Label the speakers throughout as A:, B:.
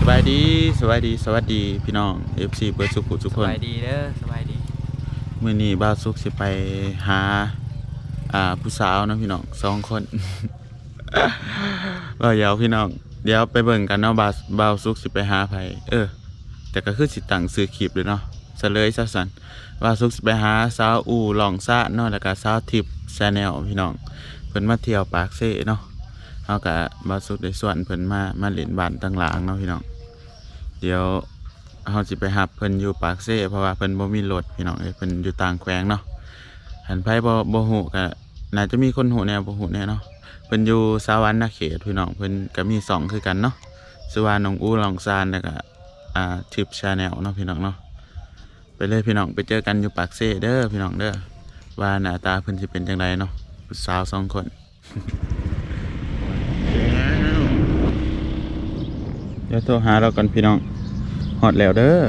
A: บายดีสวัสดีพี่น้อง FC เปิดสุขุทุกคน
B: สบายดีเด้อสบายดี
A: มื้อนี้บ่าวสุขสิไปหาผู้สาวนะพี่น้อง2 คนเดี๋ยวพี่น้องเดี๋ยวไปเบิ่งกันเนาะบ่าวสุขสิไปหาไผแต่ก็คือสิตั้งชื่อคลิปเลยเนาะซะเลยซะสั่นบ่าวสุขสิไปหาสาวอู่หลองซ่าเนาะแล้วก็สาวทิพย์ชาแนลพี่น้องเพิ่นมาเที่ยวปากเซ่เนาะเฮาก็บ่าวสุขได้ส่วนเพิ่นมาเล่นบ้านต่างหลังเนาะพี่น้องเดี๋ยวเฮาสิไปหับเพิ่นอยู่ปากเซ่เพราะว่าเพิ่นบ่มีรถพี่น้องเพิ่นอยู่ต่างแขวงเนาะหันไผบ่ฮู้ก็น่าจะมีคนฮู้แน่บ่ฮู้แน่เนาะเพิ่นอยู่สวรรค์เขตพี่น้องเพิ่นก็มี2คือกันเนาะชื่อว่าน้องอูหลองซานแล้วก็ทิปชาแนลเนาะพี่น้องเนาะไปเลยพี่น้องไปเจอกันอยู่ปากเซ่เด้อพี่น้องเด้อว่าหน้าตาเพิ่นสิเป็นจังไดเนาะสาว2 คนเดี๋ยวโทรหาเราก่อนพี่น้องฮอดแล้วเด้อ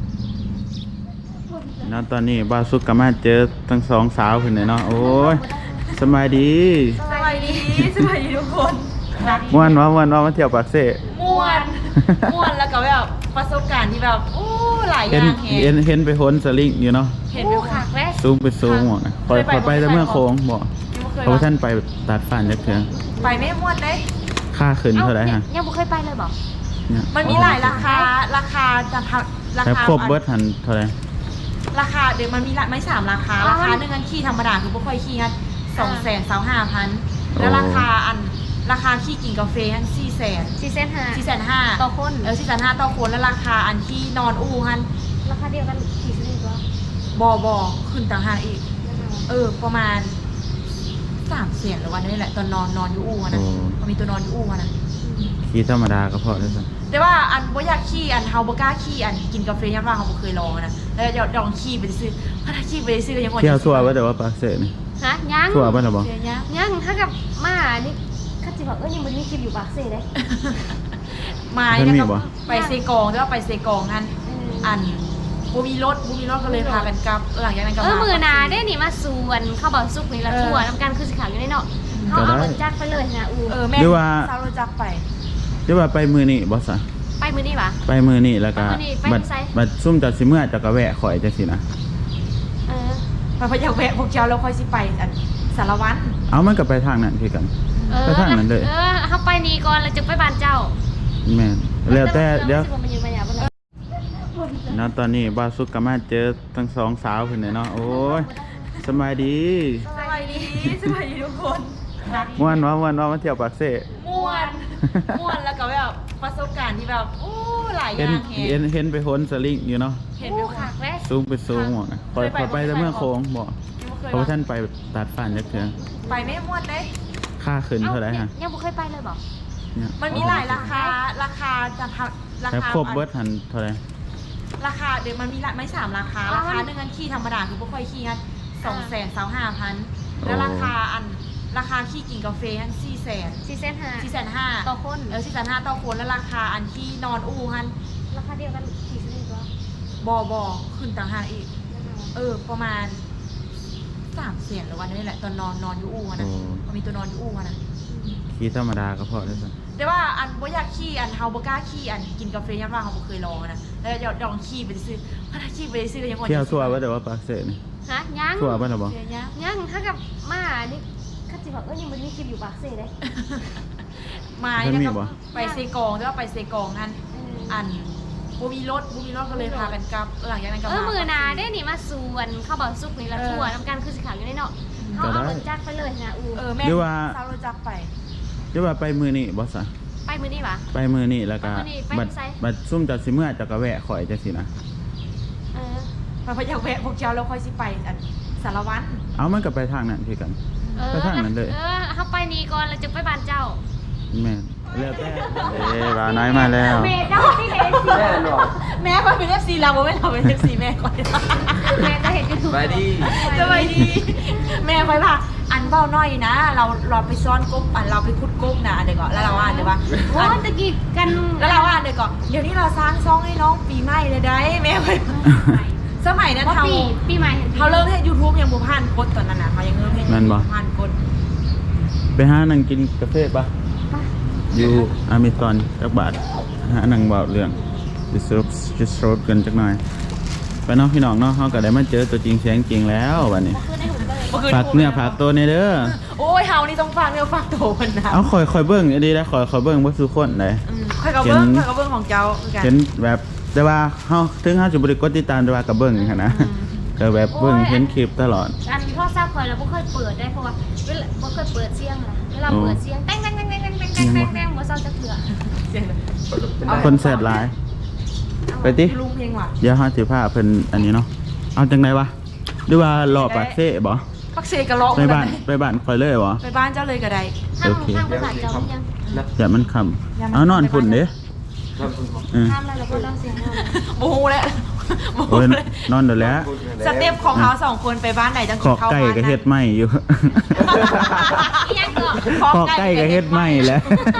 A: นะตอนนี้บ่าวสุกก็มาเจอทั้ง2 สาวเพิ่นเนาะโอ้ยสบายดี
C: สบายดีทุกคน
A: ม่วนมาเที่ยวปากเซ่
C: ม่วนแล้วก็แบบประสบการณ์ที่แบบโอ้หลายอย่าง
A: เห็นไปโหนสลิงอยู่เนาะ
C: เห็นอยู่ค่ะ
A: ซูมหมดคอยไปแต่เมื่อโค้งบ่เพราะท่านไปตัดฟันจักเทื่อ
C: ไปไม่ม่วนเด้
A: ค่าขึ้นเท่าไหร่ฮะ
C: ยังบ่เคยไปเลยบ่มันมีหลายราคาจะราคา
A: ครบเบิดหันเท่าไหร่
C: ราคาเดี๋ยวมันมีไม่3ราคาหนึ่งอันขี่ธรรมดาคือบ่ค่อยขี่กัน225,000แล้วราคาขี่กินกาแฟอัน400,000 ต่อคน400,000ต่อคนแล้วราคาอันที่นอนอู้ฮันราคาเดียวกันขี่สนิทบ่ขึ้นต่างหากอีกประมาณ300,000หรือวันนี้แหละตอนนอนอยู่อู้นะมันมีตัวนอนอยู่อู้นะ
A: ขี่ธรรมดาก็พอแล้วสิ
C: แต่ว่าอันบ่อยากขี่อันเฮาบ่กล้าขี่อันกินกาแฟยามว่าเฮาบ่เคยลองนะแล้วลองขี่ไปซื้อถ้าขี่ไปซื้อก็ยัง
A: เที่ยวทั่วบ่แต่ว่าปากเซ่นี่
D: ฮะยัง
A: ทั่วบ่ล่ะบ่
D: ยังถ้ากับมานี่คันสิว่ายังบ่มีคลิปอยู่ปากเซ่เด้
C: มาเนี่ยก็ไปเซกองแต่ว่าไปเซกองอันบ่มีรถก็เลยพากันกลับหลังจากนั้นก็
D: มื้อหน้าเด้นี่มาสวนเข้าบ่สุกนี่ละทั่วนำกันคือสิขาวอยู่ในเนาะเฮาเอารถจักรไปเลยนะ
C: แม่สาวรถจักรไป
A: หรือว่าไปมื้อนี้บ่ซะ
D: ไปมื้อนี้วะ
A: ไปมื้อนี้แล้วก็บัดซุ่มจัดสิเมื่อจักก็แวะข่อยจังซี่นะ
C: ไปอยากแวะพวกเจ้าแล้วค่อยสิไปอันสารวัตร
A: เอามันก็ไปทางนั้นคือกันไปทางนั้นเลย
D: เฮาไปนี่ก่อนแล้วจึงไปบ้านเจ้า
A: แม่นแล้วแต่เดี๋ยวนะตอนนี้บ่าวสุกก็มาเจอทั้ง2 สาวเพิ่นเนาะโอ้ยสบายดี
C: ทุกคน
A: ม่วนมาเที่ยวปากเซ่
C: ม่วนแล้วก็แบบประสบการณ์ที่แบบโอ้หลายอย่าง
A: เห็นไปโหนสลิงอยู่เนาะ
C: เห็นอยู่ค่ะ
A: ซูมหมดคอยไปแต่เมื่อโค้งบ่เพราะท่านไปตัดฟันจักเทื่อ
C: ไปไม่ม่วนเด้
A: ค่าขึ้นเท่าไหร่ฮะ
D: ยังบ่เคยไปเลยบ่
C: มันมีหลายราคาจะราคา
A: ครบเบิดหันเท่าไหร่
C: ราคาเดี๋ยวมันมีไม่3ราคาหนึ่งอันขี่ธรรมดาคือบ่ค่อยขี่กัน225,000แล้วราคาขี่กินกาแฟอัน400,000
D: ต่อคน
C: 400,000ต่อคนแล้วราคาอันที่นอนอู้ฮัน
D: ราคาเดียวกันขี่สนิท
C: บ่ขึ้นต่างหากอีกประมาณ300,000หรือวันนี้แหละตอนนอนอยู่อู้นะมันมีตัวนอนอยู่อู้นะ
A: ขี่ธรรมดาก็พอแล้วสิ
C: แต่ว่าอันบ่อยากขี่อันเฮาบ่กล้าขี่อันกินกาแฟยามว่าเฮาบ่เคยลองนะแล้วลองขี่ไปซื้อถ้าขี่ไปซื้อก็ยัง
A: เที่ยวทั่วบ่แต่ว่าปากเซ่นี่
D: ฮะยัง
A: ทั่วบ่ล่ะบ่
D: ยังถ้ากับมานี่คันสิว่ายังบ่มีคลิปอยู่ปากเซ่เด้
C: มาเนี่ยก็ไปเซกองแต่ว่าไปเซกองอันบ่มีรถก็เลยพากันกลับหลังจากนั้นก็
D: มื้อหน้าเด้นี่มาสวนเข้าบ่สุกนี่ละทั่วนำกันคือสิขาวอยู่ในเนาะเฮาเอารถจักรไปเลยนะ
C: แม่สาวรถจักรไป
A: หรือว่าไปมื้อนี้บ่ซะ
D: ไปมื้อนี้วะ
A: ไปมื้อนี้แล้วก็บัดซุ่มจัดสิเมื่อจักก็แวะข่อยจังซี่นะ
C: ไปอยากแวะพวกเจ้าแล้วค่อยสิไปอันสารวัตร
A: เอามันก็ไปทางนั้นคือกันไปทางนั้นเลย
D: เฮาไปนี่ก่อนแล้วจึงไปบ้านเจ้า
A: แม่แล้วแต่บ่าวน้อยมาแล้ว
D: แม่เจ้าที่เป็น FC
C: แม่ก็เป็น FC เราบ่แม่เราเป็น FC แม่ก่อน
D: แม่จะเห็น YouTube
B: สบายดี
C: แม่ค่อยว่าอันเบ้าน้อยนะเราไปซ้อนกบอันเราไปขุดกบนะเดี๋ยวก่อนแล้วเราเดี๋ยวว่า
D: โอ้ตะกี้กัน
C: แล้วเราเดี๋ยวก่อนเดี๋ยวนี้เราสร้างซ่องให้น้องปีใหม่เลยได้แม่ค่อยสมัยนั้น
D: ปีใหม่
C: เขาเริ่มให้ YouTube ยังบ่ผ่านกดตอนนั้นน่ะเขายังเริ่มให้ YouTube ผ่านกด
A: ไปหานั่งกินกาแฟป่ะอยู่อเมซอนจักบาทหาหนังเบาเรื่องdisrupt กันจักหน่อยไปเนาะพี่น้องเนาะเฮาก็ได้มาเจอตัวจริงเสียงจริงแล้วบัดนี้
D: คือในหุ่นเลย
A: ฝากเนี่ยฝากตัวในเด้อ
C: โอ้ยเฮานี่ต้องฟังเนื้อฟังโตมันนะ
A: เอาคอยเบิ่งดีนะคอยเบิ่งบ่ทุกคนเลย
C: ค่อยกับเบิ้งของเจ้าคือกัน
A: เห็นแบบแต่ว่าเฮาถึงเฮาจะบ่ได้กดติดตามแต่ว่าก็เบิ่งหันนะก็แบบเบิ่งเห็นคลิปตลอด
D: อันพ่อทราบคอยเราไม่เคยเปิดได้เพราะว่าไม่เคยเปิดเสียงเลยเวลาเปิดเสียงแต้งบ่เศร้าจะเถื่อ
C: เสียงเลย
A: คนแซดหลายไปติ
C: ลุงเพลงว่ะ
A: เดี๋ยวเฮาสิพาเพิ่นอันนี้เนาะเอาจังไดวะหรือว่ารอปากเซ่บ่
C: พักเซกะเลาะ
A: ไปบ้านคอยเลยบ่
C: ไปบ้านเจ้าเลยก็ได้
D: ทางภาษาเจ้ายัง
A: อย่ามันคำเอานอนพุ่นเด้เออ
D: ห้ามอะไรเราก็ต้องเสียง
C: โอ้โหแล้ว
A: โอ้ยนอนเดี๋ยวแล้ว
C: สเต็ปของเขา2คนไปบ้านไหนจัง
A: ขอกไก่ก็เฮ็ดไหมอยู่
D: ยังก็
A: ขอกไก่ก็เฮ็ดไหมแล้ว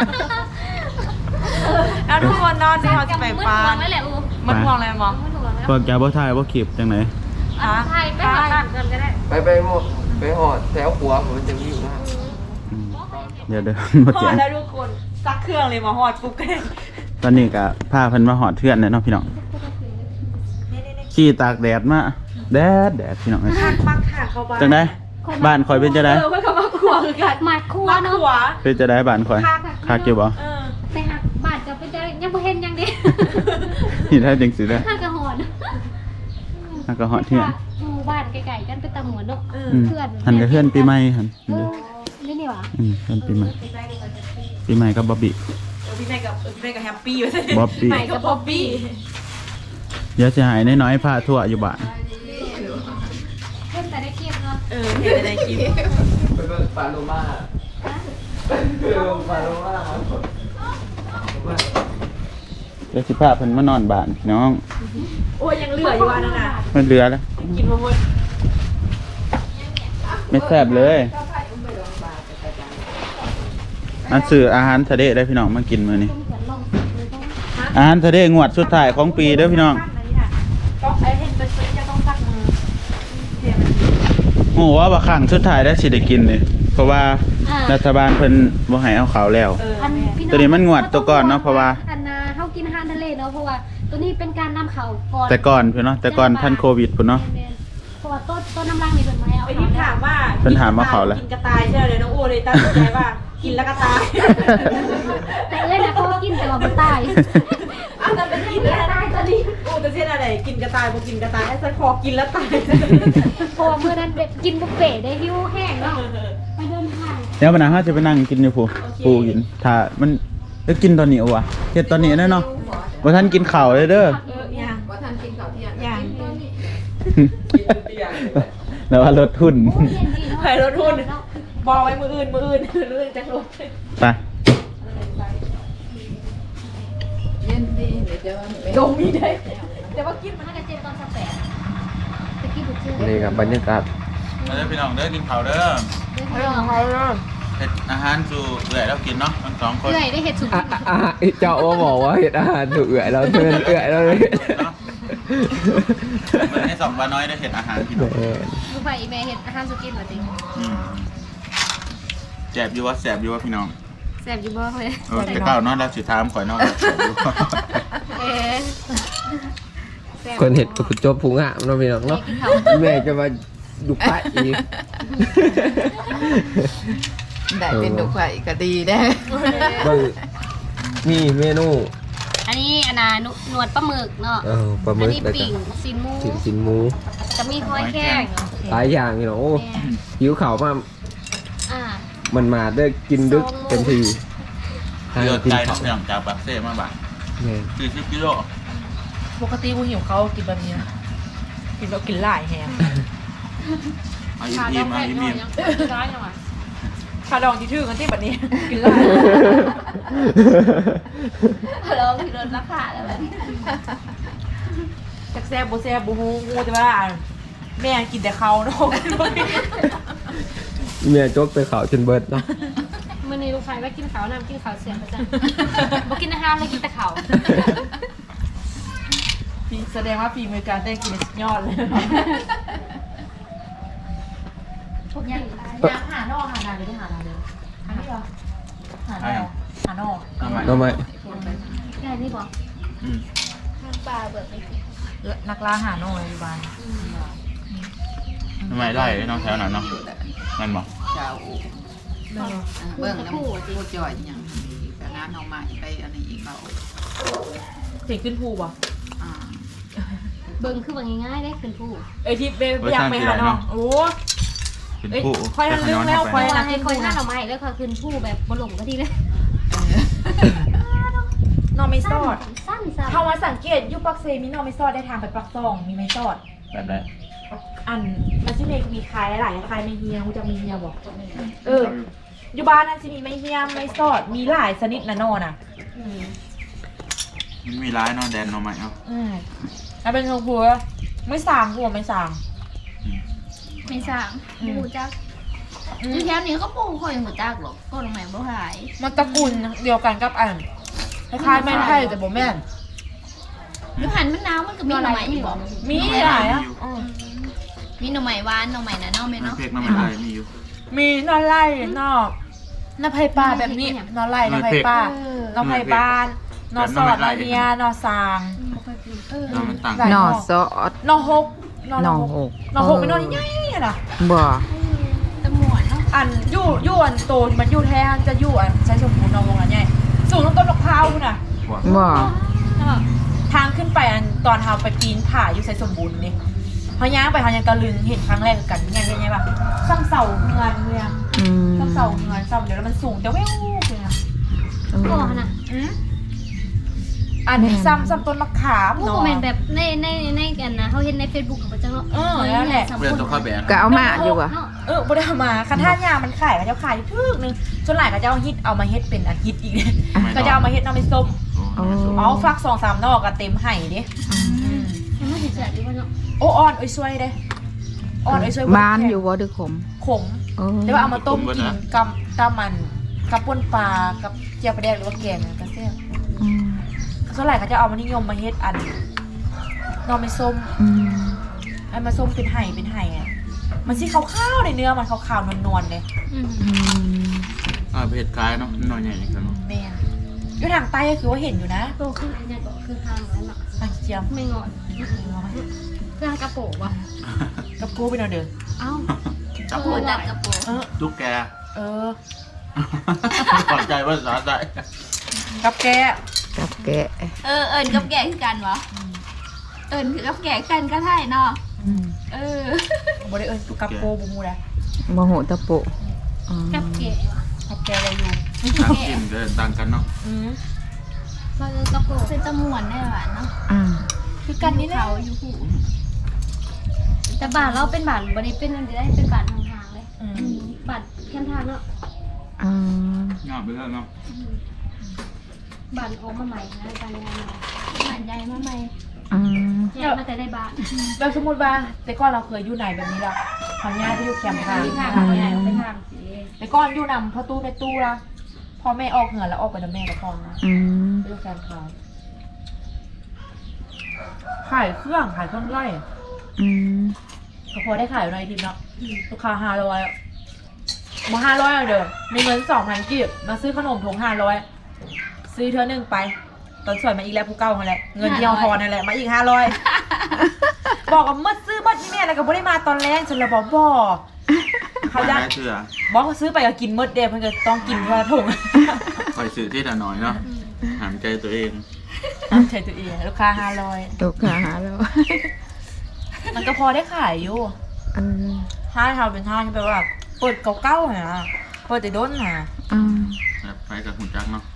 C: แล้วทุกคนนอนที่เขาจะไปบ้าน
D: ไม่แหละอู
C: มันมองอะไรมอง
D: ไม่ถูกแล้ว
A: พวกแกบ่ถ่ายบ่คลิปจังไหน
D: ไทยไปหาบ้านกันก็ได้
B: ไปหมดไปหอดแถวหัวผมมันจะวิ่งนะ
A: อืมเดี๋ยวบ่
C: ฮอ
A: แจ้
C: ด
A: ง
C: แล้วทุกคนซักเครื่องเลยมาฮอดปุ๊บก็ได้
A: ตอนนี้ก็พาเพิ่นมาหอดเทือนแล้วเนาะพี่น้องขี่ตากแดดมาแดดพี่น้องเอ้ย
C: คักมักค่ะเขาบ้าน
A: จังได๋บ้านข่อยเป็นจังได๋
C: เพื่อนเขามาขวคือกัน
D: หมัดคั่ว
C: มา
D: เนาะ
C: ขว
A: เป็นจังได๋บ้านข่อยคักอยู่บ่
D: ไปหักบาดจะไปเจอยังบ่เห็นยังดิ
A: นี่ถ้าจังสิได้
D: หักกระหอน
A: แล้วก็หอดเทือน
D: หมู่บ้านไกลๆกันไปตะหมวนเนาะ
A: อืมหันกับเพื่อนปีใหม่หัน
D: นี่นี่หว่า
A: เพื่อนปีใหม่ปีใหม่กับบ๊อบบี้
C: พี่แม่กับแฮปปี้อยู่ใช่
A: บ๊อบบี้
C: ใหม่กับบ๊อบบี้
A: เดี๋ยวสิหายน้อยๆพาทั่วอยู่บ้าน
D: เพิ่นแต่ได้คลิปเนาะ
C: เห็นในคลิป
B: ไปเบิ่งปลาโลมาปลาโลมา
A: เดี๋ยวสิพาเพิ่นมานอนบ้านพี่น้อง
C: โอ้ยยังเหลืออยู่อันนั้นน่ะ
A: มันเหลือแล้ว
C: กินมาหมด
A: ไม่แซ่บเลยอันซื้ออาหารทะเลได้พี่น้องมากินมื้อนี้ อาหารทะเลงวดสุดท้ายของปีเด้อพี่น้อง
C: ต้องไอ้เห็นเป็นซื้อจะต้องซักมือ
A: โอ้ว่าบ่ครั้งสุดท้ายได้สิได้กินนี่เพราะว่ารัฐบาลเพิ่นบ่ให้เอาข้าวแล้ว ตัวนี้มันงวดตัวก่อนเนาะเพราะว่า
D: อันน่ะเฮากินอาหารทะเลเนาะเพราะว่าตัวนี้เป็นการนำเข้าก่อน
A: แต่ก่อนพี่เนาะแต่ก่อนท่านโควิดพุ่นเนาะ
D: เพราะว่าต้นน้ำรังนี่เพิ่นมาให้เอา
C: ไปที่ถามว่า
A: เพิ่นถามว่าเขาแล้ว
C: กินกระต่ายใช่ไหมน้องโอเลยตั้งใจว่ากินแล้วกระต่าย
D: แต่เอ้ยนะเขากินแต่ว่าบ่ตาย
C: อ้าวแต่เป็นกินแล้วตายตอนนี้โอ้แต่เช่นอะไรกินกระต่ายบ่กินกระต่ายไอ้สักคอกินแล้วตาย
D: เพราะว่ามื้อนั้นแบบกินบุฟเฟ่ต์ได้หิวแห้งเนาะไปเดินทาง
A: เดี๋ยววันหน้าเฮาจะไปนั่งกินอยู่ปูกินถ้ามันแล้วกินตอนนี้เอาวะเฮ็ดตอนนี้ได้เนาะบ่ทันกินข้าวเลยเด้อ
C: ยัง
B: ว่าทันกินข้าวเที่ยง
C: ยัง
A: แล้วว่าลดทุน
C: ใครรถทุนบอกไว้มืออื่นเรื่องจะรถ
A: ไป
B: เย็นดีเดี๋ยวจะไป
C: ดมมีได้แต่ว่ากิน
D: มันน่าจะเจ็บตอน18ตะกี้บุกชื่อ
B: นี่ครับบรรยากาศ
A: มาเด้อพี่น้องเด้อกินข้าวเด้อ
C: เรื่องของใครเรื่อง
A: เฮ็ดอาหารสู่เอื้อยแล้วกินเนาะทั้งสองคน
D: เอื่อยได้เห็ดสุก
B: เจ้าว่าบอกว่าเห็ดอาหารถูกเอื่อยเราเพื่อนเอื่อยเราเลย
A: เนาะเหมือนให้สองปลาน้อยได้เฮ็ดอาหารพี่น้อง
D: ลูกไผ่อีเมเห็ดอาหารสุกินเหรอจริง
A: อืมแซ่บอยู่ว่าพี่น้อง
D: แซ่บอยู่บ่เฮ้ย
A: แต่ก้าวเนาะแล้วสิถามข่อยเนาะแซ่บอยู่
D: เอ๊ะ
B: คนเห็ดกุจบพุงอ่ะมันเป็นหรอกเนาะแม่จะมาดูพระอีก
E: ได้เป็นดอกไฟก็ดีได้
B: บางมีเมนู
D: อันนี้อันน่ะหนวดปลาหมึกเนาะ
B: ปลาหมึ
D: อัน
B: ก
D: นี้
B: แล้วก็
D: ปิ่งซีนหมู
B: สินหมู
D: จะมีหอยแข้ง
B: หลายอย่างนี่เนาะโอ้หิวข่าวมา
D: อ่า
B: มันมาได้กินดึกเต็มที
A: เลือด
B: กิน
A: ใจ
B: ข้า
A: เนาะ
B: ว
A: พี่น้องจากปากเซ่มาบาท
B: เนี่ย
A: 40กิโล
C: ปกติกูหิวเขากินแบบนี้นะกินแบบกินหลายแฮม
A: เอาอิ่มๆเอาอิ่ม
C: คาดองที่ชื่อกันที่แบบนี้ กินหลาย
D: เราคือลดราคาแล้วแบบ
C: จากแซ่บโบแซ่บโบฮูงูแต่ว่าแม่กินแต่เขาเนาะ
B: เมียจกไปข่าวจนเบิดเนาะ
D: มื้อนี้ลูกไผ่ว่ากินข้าวน้ำกินข้าวเสียประจำบ่กินอาหารเลยกินแต่ข้าว
C: แสดงว่าฝีมือการเต้นกินสุดยอดเลย
D: พวกยัง
C: หานอกหานาเลยหานาเลยหานี่เหรอหา
A: ๆ
C: นอกหาหน่อ
B: ทำไม
D: ได้นี่บอก
A: อืม
D: ทางปลาเบิกไป
C: นักล่าหาหน่ออยู่บ้าน
A: ทำไมได้น้องแถวนั้นเนาะนั่นบอก
E: เจ้าเบิ่งแล้วพูดจ่อยอย่างนี้ไปงานเอาใหม่ไปอันนี้อีกเขา
C: เสียงขึ้นภูบ่
D: เบิ่งคือว่าง่ายๆได้ขึ้นผู้
C: เอ้ยที่อยากไปหาหน่อโอ้
A: เป็น
C: เอ้ย
A: ผู้
C: ค่อยทันลืมแล้วค่อย
D: ว่าให้คอยหน้าเราไม้แล้วค่ะขึ้นผู้แบบบ่หลงก็ทีเลย
C: หน่อไม่ซอด
D: สั้น
C: เข้ามาสังเกตอยู่ปักเซมีหน่อไม่ซอดได้ทางไปปักซองมีไม่ซอด
A: แบบไหน
C: อันมันที่เมกมีคล้ายหลายคล้ายไม่เฮียกูจะมีเฮียบอกอยู่บ้านนั่นสิมีไม่เฮียไม่ซอดมีหลายชนิดนะนอน่ะ
A: มันมีร้ายเนาะแดนเนาะไหมเอ้า
C: แล้วเป็นชมพูไม่สางหัวไม่สาง
D: ไม่สร้างผู้จักอยู่แถวนี้ก็ปลูกคอยหัวจักหรอกก็ลงแม่บ่หาย
C: มันตระกูลเดียวกันกับอันคล้ายๆแม่นไทยแต่บ่แม่น
D: อยู่หันมันน้ำมันก็มีหน่อไม้อยู่บ่
C: มีหลายอ่ะ
D: มีหน่อไม้หวานหน่อไม้นะเนาะแม่
A: มัน
D: เนาะ
A: เพกน้ำมันอะไรมีอยู่
C: มีนอนไล่นอกนอไผ่ปลาแบบนี้นอนไล่นอไผ่ปลา นอไผ่บ้านนอสอดนอเนียนอสาง
A: น้ำมันต่าง
E: หน่อซอส
C: นอหก
E: หน่อหก
C: นอหกเป็นนอใหญ่ๆน่ะ
E: บ่
D: ตะหมวนเนาะ
C: อันยู่อันโตมันอยู่แท้จะยู่อันใช้สมบูรณ์นอวงอันใหญ่สูงต้นมะพร้าวน่ะ
E: บ่
C: ทางขึ้นไปอันตอนเฮาไปปีนผาอยู่ใช้สมบูรณ์นี่พอย่างไปเฮายังตะลึงเห็นครั้งแรกกันยังไงป่ะซ้ำเสาเงินเมืองซ้ำเสาเงินซ้ำเดี๋ยวแล้วมันสูงแต่แว่วเลยนะ
D: ก็น่ะ
C: อันนี้ซ้ำต้นมะขาม
D: ผู้
C: เนาะ
D: คอมเมนต์แบบในกันนะเขาเห็นใน Facebook ของพระเจ้าเนาะ
A: เพื่อนตัวข้าวแบน
E: ก็เอามาอยู่ว่ะ
C: บ่ได้เอามาคันท่ายามันขายเขาจะขายทึกนึงส่วนหลายเขาจะเอาฮิตเอามาเฮ็ดเป็นอันฮิตอีกเนี่ยเขาจะเอามาเฮ็ดน้ำไม่ส้มเอาฟัก2-3 นอกก็เต็มไห่ดิ
D: ยังไม่ถึงเสียดีว่าเนาะ
C: โอ้อ่อนช่วยเด้อ่อนช่วย
E: บ้านอยู่บ่ดึกขม
C: ขมแต่ว่าเอามาต้มกินกับมันกับป่นปลากับเจียวปลาแดกหรือว่าแกงก็แซ่บส่วนหลายเขาจะเอามานิยมมาเฮ็ดอันนอไม่ส้มไอ้มาส้มเป็นไห่อ่ะมันสิขาวๆในเนื้อมันขาวๆนวลๆเลย
A: เพจคล้ายเนาะหน่อยใหญ่กันเนาะ
C: แม่นอยู่ทางใต้ก็คือว่าเห็นอยู่นะ
D: โตขึ้นอันนี้ก็คือทางนั้นเนาะ
C: ทางเจียม
D: ไม่งอนเครื่องกระโปงวะ
C: กับกูไปนอนเด้อ
D: เอ้า
A: จับ
D: เปิดจับกระโปง
A: ตุ๊กแก
C: เออ
A: ขอบใจว่าสาใจ
C: กับแก
E: กับแกะ
F: เอิญกับแกคือกันวะเอิญคือกับแกกันก็ได้เนาะ
C: บ่ได้เอิ้นกับโกบ่ฮู้นะ
E: บ่โหตะโปะ
D: กับเก๋วะ
C: กับแกอะไรอยู่
A: ต่างกินเดินต่างกันเนาะ
D: ก็กระโปง
F: เป็นตะมวนได้หวานเนาะ
C: คือกันนี่แหละ
F: เขาอยู่หู
D: แต่บาทเราเป็นบาทบริเป็นอันนี้ได้เป็นบาททางเลยบาทแค่ทางเนาะ
A: งามไปแล้วเนาะ
D: บาทออกมาใหม่นะการงาน
F: หวานใหญ่มาใหม่
D: แยกมาแต่ได้บาท
C: แบบสมมุติว่าแต่ก่อนเราเคยอยู่ไหนแบบนี้ล่ะพอญาติอยู่แคมป์ทาง
D: ทางไปไหนไปทางสิ
C: แต่ก่อนอยู่นำพ่อตู้ในตู้ละพอแม่ออกเหงื่อแล้วออกไปนำแม่กับพ่อนะอยู่แคมป์ขายเครื่องไร่ก็พอได้ขายอยู่ในทีมเนาะลูกค้า500มา500เด้อมีเงิน 2,000 กีบมาซื้อขนมถุง500ซื้อเท่านึงไปตอนสวยมาอีกแล้วผู้เก่านั่นแหละเงินที่เอาทอนนั่นแหละมาอีก500บอกว่ามืดซื้อมืดนี่แม่แล้วก็บ่ได้มาตอนแรกจนเราบอกบ่เขาจะ
A: เชื่อ
C: บอกเขาซื้อไปก็กินมืดเด้เพิ่นก็ต้องกินเพื่อถุง
A: คอยสื่อที่ละน้อยเนาะหามใจตัวเอง
C: ใช่ตัวเองลูกค้า500
E: ลูกค้าหาแล้ว
C: มันก็พอได้ขายอยู่ถ้าเราเป็นท่าที่แปลว่าเปิดเก่าๆนะเปิดแต่ด้นนะ
A: แบบไปกับหุ่นจักเนาะ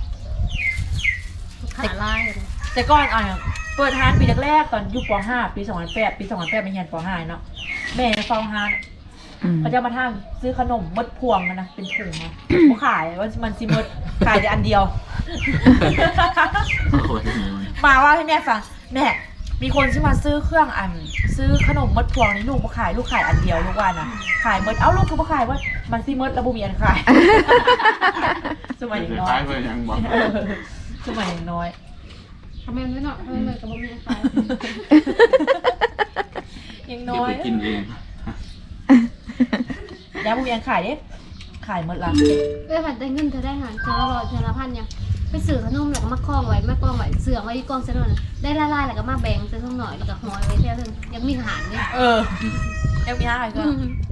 D: ขาลาย
C: แต่ก่อนเปิดห้านปีแรกๆตอนอยู่ป .5 ปี2008ปี2008ไม่เรียนป .5 เนาะแม่เฝ้าห้านเขาจะมาทางซื้อขนมมดพวงนะเป็นถุงนะเขาขายว่ามันซิมดขายแต่อันเดียว
A: โอ้ย
C: มาว่าให้แม่ฟังแม่มีคนที่มาซื้อเครื่องซื้อขนมมดพวงนี่ลูกมาขายลูกขายอันเดียวลูกว่านะขายมดลูกก็มาขายว่ามันซิมดแล้วบุมีอันขายสมัยน้อ
A: คล้าย ยไปยังบอก
C: สมัยน้อย
D: ทำไมไม่เนาะทำไมเลยกับบ่มีขาย
C: ยัง
A: เก็
C: น้
A: บ
C: อ
A: ไป
C: ย
A: กินเอง
C: ยาบุมีอันขายเด้ขขายหมดละ
D: เอ้ยผัดได้เงินเธอได้หารเธอละร้อยเธอละพันยังไปซื้อขนมแล้วก็มาคล้องไว้มากองไว้เสือไว้ที่กองเส้นนได้ละลายแล้วก็มาแบ่งเส้นหน่อยแล้วก็ห่อไว้เท่านึงยังมีหารเนี่ย
C: ยังมีห้าอีกก็